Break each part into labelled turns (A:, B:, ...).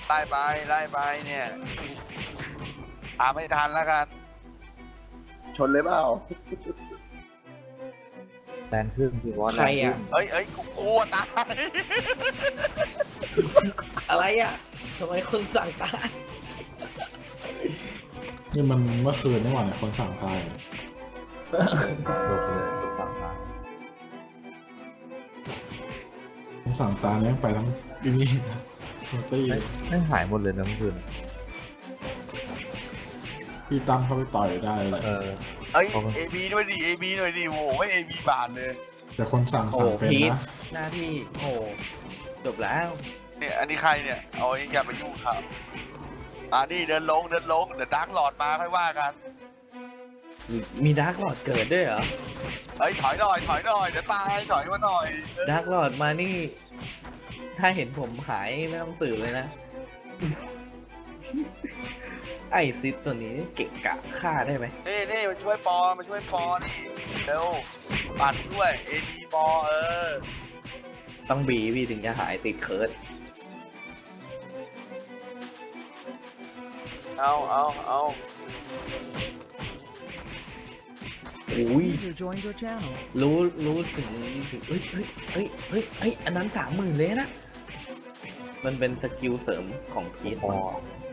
A: ไล่ไปไล่ไปเนี่ยตามไม่ทันแล้วกัน
B: ชนเลยเปล่า
C: แรงขึ้นพี่บอส
D: ใครอ่ะ
A: เอ้ยกูกลัวตาย
D: อะไรอ่ะทำไมคนสั่งตาย
E: นี่มันเมื่อคืนนี่หว่าเนี่ยคนสั่งตายเนี่ย
C: จบเลยสั่งมา
E: ผมสั่งตายเนี่ยไปทั้งที่นี่โรตี้
C: ไม่หายหมดเลยนะเมื่อคืน
E: พี่ตั้มเข้าไปต่อยได้เลย
A: เอ้ยเอบีด้วยดิเอบีหน่อยดิโว้ยเอบีบานเลย
E: แต่คนสั่ง
D: โอ้
E: เป็น
D: พีท
E: นะ
D: หน้าที่โอ้จบแล้ว
A: เนี่ยอันนี้ใครเนี่ยเอาไอ้อย่าไปยุ่งครับนี่เดินลงเดี๋ยวดาร์กหลอดมาค่อยว่ากัน
D: มีดาร์กหลอดเกิดด้วยเหรอ
A: เอ้ยถอยหน่อยเดี๋ยวตายถอยมาหน่อย
D: ดาร์กหลอดมานี่ ถ้าเห็นผมหายไม่ต้องสืบเลยนะ ไอซิดตัวนี้เก่งกะฆ่าได้ไหม
A: นี่มาช่วยปอนี่เร็วปั่นด้วยเอบีปอ
D: ต้องบีพี่ถึงจะหายติดเคิร์ด
A: เอา
D: อุ้ย
F: User joined your channel.
D: รู้ถึงเฮ้ยอันนั้น30,000เลยนะ มันเป็นสกิลเสริมของพีท
C: พอ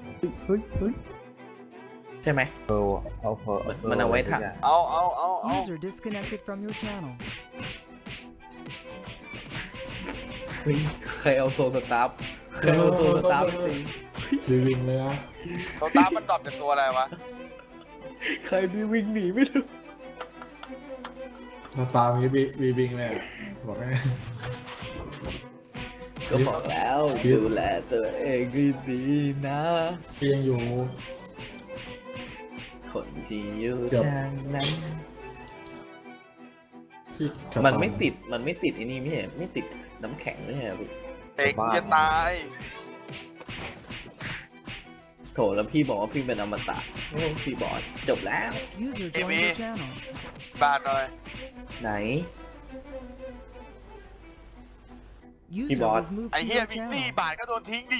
D: ใช่ไหม
C: เออเอาเพอ
D: มันเอาไว้ถัก
A: เอา
F: User disconnected from your channel.
D: เฮ้ยใครเอาโซลสตาร์ฟใครเอาโซลสตาร์ฟไปตี
E: รีวิงเลยนะ
A: ตัวตามันดรอปจากตัวอะไรวะ
D: ใครมีวิ่งหนีไม่รู้
E: หน้าตามีรีวิงเลยอะบอกให้
D: ก็บอกแล้ว
E: พีท
D: ดูแลตัวเองให้ดีนะ
E: พี่ยังอยู่
D: คนที่อยู่
E: เกือบ
D: ทางนั้น
E: พี่จะ
D: มันไม่ติดไอ้นี่ไม่ใช่ไม่ติดน้ำแข็งไม่ใช่เหรอพี่
A: เด็กจะตาย
D: โถแล้วพี่บอกว่าพี่เป็นอมตะโอ้พี่บอกจบแล้ว
F: User joined your channel.
A: บานหน่อย
D: ไหน
F: User
D: boss.
F: was moved
A: ไอ้
F: to
A: เฮีย
F: your
A: มิกซี่
F: channel.
A: บาทก็โดนทิ้งดิ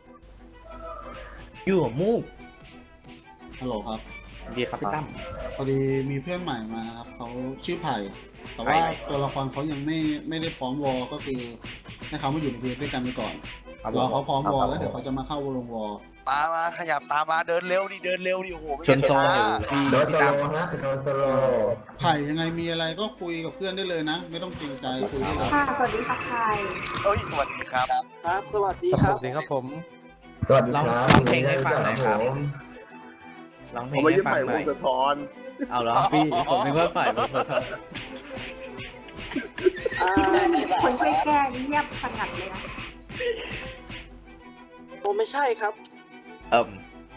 D: อยู่กับมูก
G: ฮัลโหลครับ
D: ดีครับพี่ตั้ม
G: พอดีมีเพื่อนใหม่มาครับเขาชื่อไผ่แต่
D: ไผ่
G: ว่า
D: ไหน
G: ตัวละครเขายังไม่ได้พร้อมวอลก็คือให้เขามาอยู่ในเวทด้วยกันไปก่อนรอเขาพร้อมวอลแล้วเดี๋ยวเขาจะมาเข้าวงวอล
A: มาขยับตามมาเดินเร็วดิโอ้โหไม่
D: ชนโซนอยู่
A: ช้า
D: พี่ตั้ม
G: ไผ่ยังไงมีอะไรก็คุยกับเพื่อนได้เลยนะ ไม่ต้องเกรงใจคุยได้เลย
H: ค่ะ สวัสดีค่ะใคร
A: เอ้ยสวัสดีครับ
G: ครับสวัสดี
I: ส
G: ครับ
I: วัสดีครับผม
D: ร้องเพลงให้ฟังหน่อยครับร้องเพล
B: ผม
D: ง
B: ไม่
D: ให้
B: ใช่
D: ฟัง
B: ไผ่
D: ห
B: ว
D: น่อง ย
B: สะท้อน
D: เอาเหรอพี่ผมนึกว่าฝ่ายผมขอโทษ
H: คนช่วยแก้เงียบสงัดเลยนะ
G: ผมไม่ใช่ครับ
D: เอิ่ม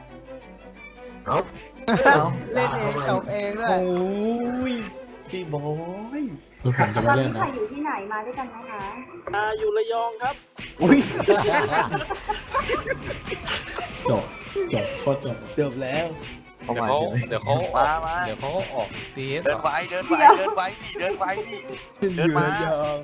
I: เล่นเองตบเองด้ว
D: โอ้
I: ย
D: ยพี่บอย
E: คือผมจะ
H: ต
E: ไม่
H: อน
E: เล่
H: นี้
E: น
H: ใคร
E: นะ
H: อยู่ที่ไหนมาด้วยกันนะคะ
G: อยู่ระยองครับ
D: อุ้ย
E: จบโคตรจบ
D: จบแล้ว
C: เข้า
I: เดี๋ยว
C: มา
I: เขา
C: ใช่ไหม
I: เดี๋ยวเขาออกตีเอส
A: เดินไว้ดิเดินไว้มา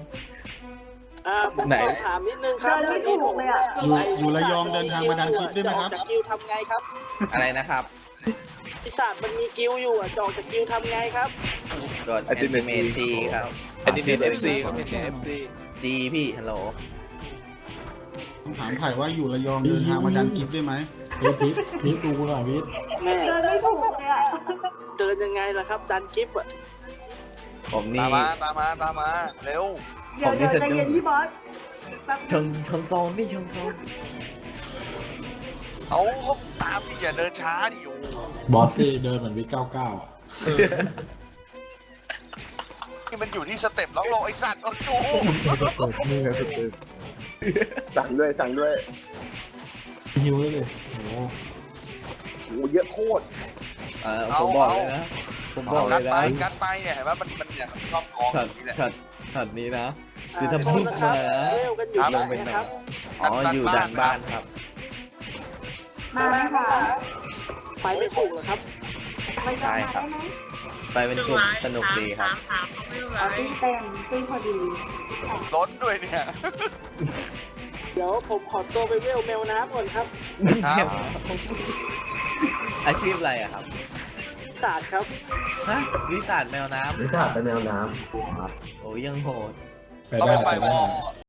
D: ไหน
G: ถามนิดนึงครับ
H: เดินไม่ถูกเลยอะ
G: อยู่ระยองเดินทางมาดันคลิปได้ไหมครับ
J: กิวทำไงครับ
D: อะไรนะครับ
J: ปีศาจมันมีกิวอยู่อ่ะจอกจากกิวทำไงครับ
D: กดแอนิเมตจีครับ
I: อันนี้เป็นเอฟซีครับเป็นเอฟซี
D: จีพี่ฮัลโหล
G: ผมถามไผ่ว่าอยู่ระยองเดินทางมาดันคลิปได้ไหม
E: เฮ้ยพีทดูกูหน่อยพีท
J: แม่
H: เดินไม่ถูกเลยอะ
J: เดินยังไงล่ะครับ ดันคลิปอ่ะ
D: ผมนี่
A: ตามมาเร็ว
H: เดี๋ยวใจเย็นพี่บอสแป๊บ
D: ชนโซนพี่ชนโซน
A: เอาตามดิอย่าเดินช้าดิโอ้
E: บอสซี่เดินเหมือนวิก99อ่ะ
A: นี่มันอยู่ที่สเต็ปล็อกโลไอสัตว์โอ้โห
C: นี่ไงสุดเลย
B: สั่งด้วย
E: ฮิวเลยดิโอ้โห
B: โอ้เยอะโคตร
D: ผมบอกเลยนะผมบอกเล
A: กัด
D: ย
A: ไป
D: นะ
A: กัดไปเนี่ยเห็นว่ามันเนี่ยมันชอบกองอ
D: ช็อต
A: ย่างนี้แหละ
D: ช็อตนี้นะ คือถ้าพูด
J: โทษนะครับ
D: มานะ
J: เร็วกันอยู่
D: ล
J: ไหน
D: งไปไหน
J: นะครับ
D: อ๋ออยู่ด้านบ้านครับ
H: มาไหมคะ
J: ไปไม่ถูกเหรอครับ
H: มันจะมาได้ไหม
D: ไปเป็นกลุ่มสนุกดีครับ
H: เอาตีเต็มตีพอดี
A: ล้นด้วยเนี่ย
J: เดี๋ยวผมขอตัวไปเวลแมวน้ำก่อนครับ
A: ครับ
D: อาชีพอะไรอะครับ
J: ศาสตร์ครับ
D: ฮะวิสาดแมวน้ำ
C: วิชาเป็นแมวน้ำครับ
D: โอ้ยยังโหด
E: ไป
A: ก็
E: ได้
A: ไป
E: ไป
A: ว
E: ได้
A: อ